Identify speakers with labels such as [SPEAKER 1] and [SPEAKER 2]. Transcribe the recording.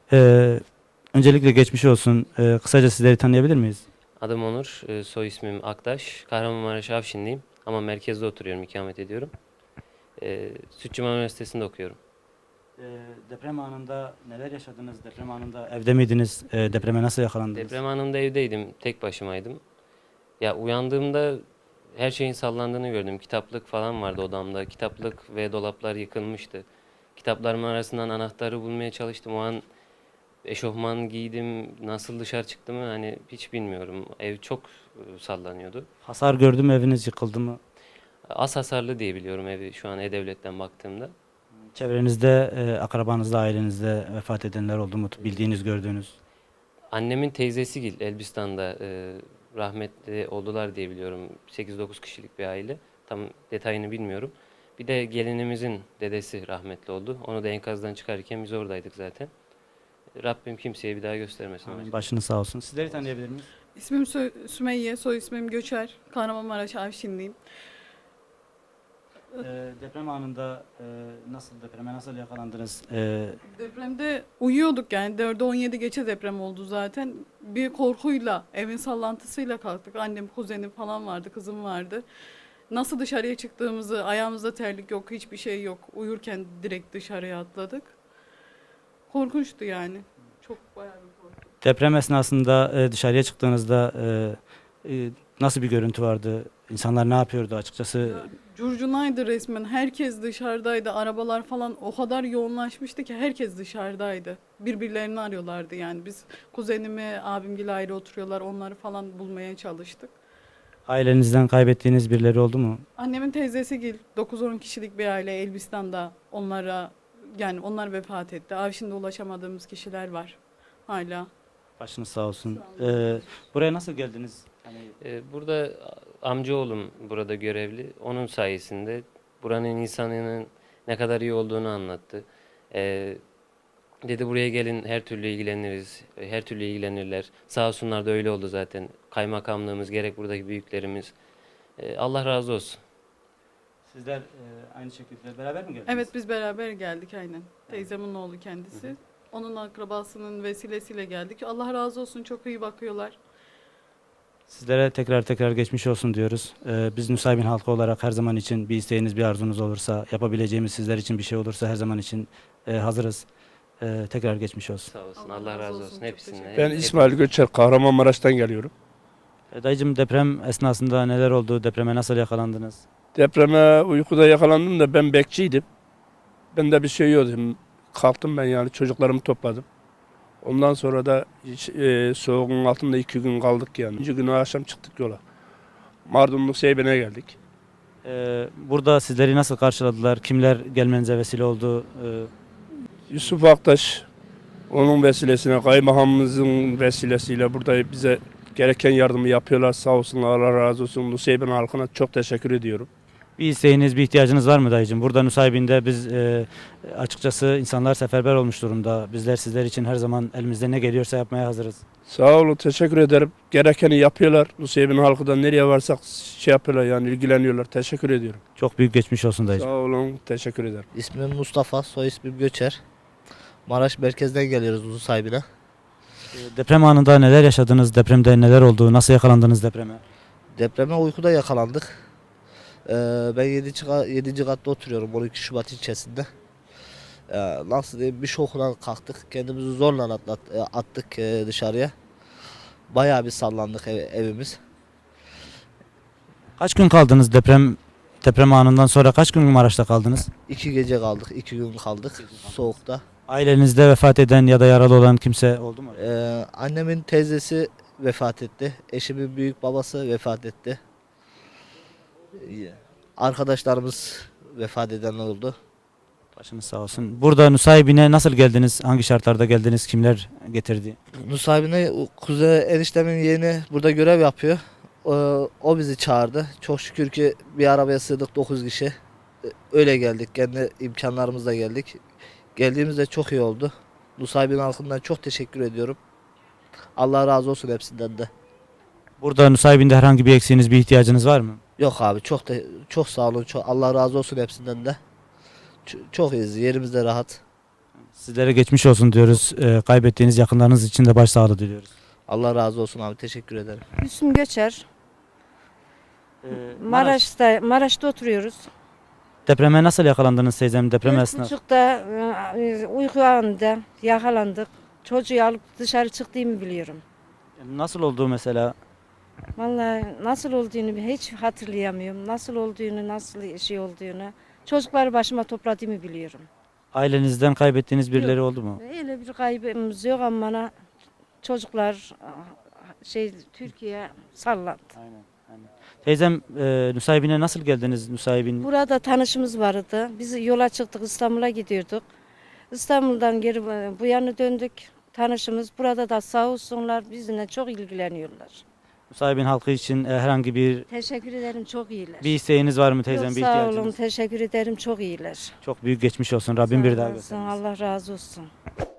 [SPEAKER 1] Ee, Öncelikle geçmiş olsun. Kısaca sizleri tanıyabilir miyiz?
[SPEAKER 2] Adım Onur, soy ismim Aktaş. Kahramanmaraş Afşinliyim ama merkezde oturuyorum, ikamet ediyorum. Sütçüman Üniversitesi'nde okuyorum.
[SPEAKER 1] Deprem anında neler yaşadınız? Deprem anında evde miydiniz? Depreme nasıl yakalandınız?
[SPEAKER 2] Deprem anında evdeydim, tek başımaydım. Ya uyandığımda her şeyin sallandığını gördüm. Kitaplık falan vardı odamda. Kitaplık ve dolaplar yıkılmıştı. Kitaplarımın arasından anahtarı bulmaya çalıştım. O an eşofman giydim. Nasıl dışarı çıktığımı hani hiç bilmiyorum. Ev çok sallanıyordu.
[SPEAKER 1] Hasar gördü mü? Eviniz yıkıldı mı?
[SPEAKER 2] Az hasarlı diye biliyorum evi şu an E-Devlet'ten baktığımda.
[SPEAKER 1] Çevrenizde, akrabanızda, ailenizde vefat edenler oldu mu? Bildiğiniz, gördüğünüz.
[SPEAKER 2] Annemin teyzesi Gil Elbistan'da rahmetli oldular diye biliyorum. 8-9 kişilik bir aile. Tam detayını bilmiyorum. Bir de gelinimizin dedesi rahmetli oldu. Onu da enkazdan çıkarken biz oradaydık zaten. Rabbim kimseye bir daha göstermesin.
[SPEAKER 1] Amin. Başınız sağ olsun. Sizleri tanıyabilir miyiz?
[SPEAKER 3] İsmim Sümeyye, soy ismim Göçer. Kahramanmaraş Avşinliyim.
[SPEAKER 1] Deprem anında depreme nasıl yakalandınız?
[SPEAKER 3] Depremde uyuyorduk yani 4'e 17 geçe deprem oldu zaten. Bir korkuyla, evin sallantısıyla kalktık. Annem, kuzenim falan vardı, kızım vardı. Nasıl dışarıya çıktığımızı, ayağımızda terlik yok, hiçbir şey yok. Uyurken direkt dışarıya atladık. Korkunçtu yani. Çok bayağı bir korku.
[SPEAKER 1] Deprem esnasında dışarıya çıktığınızda nasıl bir görüntü vardı? İnsanlar ne yapıyordu açıkçası?
[SPEAKER 3] Ya, curcunaydı resmen. Herkes dışarıdaydı. Arabalar falan o kadar yoğunlaşmıştı ki herkes dışarıdaydı. Birbirlerini arıyorlardı yani. Biz kuzenimi, abimgil ayrı oturuyorlar. Onları falan bulmaya çalıştık.
[SPEAKER 1] Ailenizden kaybettiğiniz birileri oldu mu?
[SPEAKER 3] Annemin teyzesi gil 9-10 kişilik bir aile Elbistan'da onlara yani onlar vefat etti. Avşin'de ulaşamadığımız kişiler var hala.
[SPEAKER 1] Başınız sağ olsun.
[SPEAKER 3] Sağ olun.
[SPEAKER 1] Buraya nasıl geldiniz? Hani
[SPEAKER 2] Burada amcaoğlum burada görevli. Onun sayesinde buranın insanının ne kadar iyi olduğunu anlattı. E, Dedi buraya gelin her türlü ilgileniriz. Her türlü ilgilenirler. Sağ olsunlar da öyle oldu zaten. Kaymakamlığımız gerek buradaki büyüklerimiz. Allah razı olsun.
[SPEAKER 1] sizler aynı şekilde beraber mi geldiniz?
[SPEAKER 3] Evet biz beraber geldik aynen. Teyzemin oğlu kendisi. Onun akrabasının vesilesiyle geldik. Allah razı olsun çok iyi bakıyorlar.
[SPEAKER 1] Sizlere tekrar geçmiş olsun diyoruz. Biz Nusaybin halkı olarak her zaman için bir isteğiniz, bir arzunuz olursa, yapabileceğimiz sizler için bir şey olursa her zaman için hazırız. Tekrar geçmiş olsun.
[SPEAKER 2] Sağ olsun.
[SPEAKER 3] Allah
[SPEAKER 2] Allah
[SPEAKER 3] razı
[SPEAKER 2] razı
[SPEAKER 3] olsun,
[SPEAKER 2] olsun
[SPEAKER 3] çok
[SPEAKER 2] hepsine.
[SPEAKER 3] teşekkür
[SPEAKER 4] Ben
[SPEAKER 3] ederim.
[SPEAKER 4] İsmail Göçer, Kahramanmaraş'tan geliyorum.
[SPEAKER 1] Dayıcım deprem esnasında neler oldu? Depreme nasıl yakalandınız?
[SPEAKER 4] Depreme uykuda yakalandım da ben bekçiydim. Bende bir şey yoktu. Kalktım ben yani çocuklarımı topladım. Ondan sonra da soğuğun altında 2 gün kaldık yani. 2. günü akşam çıktık yola. Mardin'in Seyben'e geldik.
[SPEAKER 1] Burada sizleri nasıl karşıladılar? Kimler gelmenize vesile oldu?
[SPEAKER 4] Yusuf Aktaş, onun vesilesine, kaymakamımızın vesilesiyle burada bize gereken yardımı yapıyorlar. Sağ olsunlar, Allah razı olsun. Seyben halkına çok teşekkür ediyorum.
[SPEAKER 1] Bir isteğiniz, bir ihtiyacınız var mı dayıcım? Burada Nusaybin'de biz açıkçası insanlar seferber olmuş durumda. Bizler sizler için her zaman elimizde ne geliyorsa yapmaya hazırız.
[SPEAKER 4] Sağ olun, teşekkür ederim. Gerekeni yapıyorlar. Nusaybin halkı da nereye varsak şey yapıyorlar yani ilgileniyorlar. Teşekkür ediyorum.
[SPEAKER 1] Çok büyük geçmiş olsun
[SPEAKER 4] Sağ
[SPEAKER 1] dayıcım.
[SPEAKER 4] olun, teşekkür ederim.
[SPEAKER 5] İsmim Mustafa, soy ismim Göçer. Maraş merkezden geliyoruz Uzun Sahibi'ne.
[SPEAKER 1] Deprem anında neler yaşadınız? Depremde neler oldu? Nasıl yakalandınız depreme?
[SPEAKER 5] Depreme uykuda yakalandık. Ben 7. katta oturuyorum 12 Şubat ilçesinde. Nasıl diyeyim bir şokla kalktık. Kendimizi zorla attık dışarıya. Bayağı bir sallandık evimiz.
[SPEAKER 1] Kaç gün kaldınız deprem anından sonra kaç gün Maraş'ta kaldınız?
[SPEAKER 5] 2 gece kaldık, 2 gün kaldık soğukta.
[SPEAKER 1] Ailenizde vefat eden ya da yaralı olan kimse oldu mu?
[SPEAKER 5] Annemin teyzesi vefat etti. Eşimin büyük babası vefat etti. Arkadaşlarımız vefat edenler oldu.
[SPEAKER 1] Başınız sağ olsun. Burada Nusaybin'e nasıl geldiniz? Hangi şartlarda geldiniz? Kimler getirdi?
[SPEAKER 5] Nusaybin'e kuzey eniştemin yeğeni burada görev yapıyor. O bizi çağırdı. Çok şükür ki bir arabaya sığdık 9 kişi. Öyle geldik. Kendi imkanlarımızla geldik. Geldiğimizde çok iyi oldu. Nusaybin halkından çok teşekkür ediyorum. Allah razı olsun hepsinden de.
[SPEAKER 1] Burada Nusaybin'de herhangi bir eksiğiniz, bir ihtiyacınız var mı?
[SPEAKER 5] Yok abi çok sağ olun. Allah razı olsun hepsinden de. Çok iyiyiz. Yerimiz de rahat.
[SPEAKER 1] Sizlere geçmiş olsun diyoruz. Kaybettiğiniz yakınlarınız için de başsağlığı diliyoruz.
[SPEAKER 5] Allah razı olsun abi, teşekkür ederim.
[SPEAKER 6] Hüsnü Göçer. Maraş'ta oturuyoruz.
[SPEAKER 1] Depreme nasıl yakalandınız teyzem, deprem esnasında?
[SPEAKER 6] 4.30'da uyku anında yakalandık. Çocuğu alıp dışarı çıktığımı biliyorum.
[SPEAKER 1] Nasıl oldu mesela?
[SPEAKER 6] Vallahi nasıl olduğunu hiç hatırlayamıyorum. Nasıl olduğunu, nasıl şey olduğunu. Çocukları başıma topladığımı biliyorum.
[SPEAKER 1] Ailenizden kaybettiğiniz birileri oldu mu?
[SPEAKER 6] Öyle bir kaybımız yok ama bana çocuklar Türkiye sallandı.
[SPEAKER 1] Aynen. Teyzem, Nusaybin'e nasıl geldiniz? Nusaybin
[SPEAKER 6] Burada tanışımız vardı. Biz yola çıktık, İstanbul'a gidiyorduk. İstanbul'dan geri bu yana döndük. Tanışımız burada da sağ olsunlar bizimle çok ilgileniyorlar.
[SPEAKER 1] Nusaybin halkı için herhangi
[SPEAKER 6] Teşekkür ederim, çok iyiler.
[SPEAKER 1] bir isteğiniz var mı teyzem?
[SPEAKER 6] Yok,
[SPEAKER 1] Bir
[SPEAKER 6] sağ olun,
[SPEAKER 1] ihtiyacınız?
[SPEAKER 6] teşekkür ederim, çok iyiler.
[SPEAKER 1] Çok büyük geçmiş olsun. Rabbim bir
[SPEAKER 6] Sağ
[SPEAKER 1] daha
[SPEAKER 6] olasın,
[SPEAKER 1] göstermesin.
[SPEAKER 6] Allah razı olsun.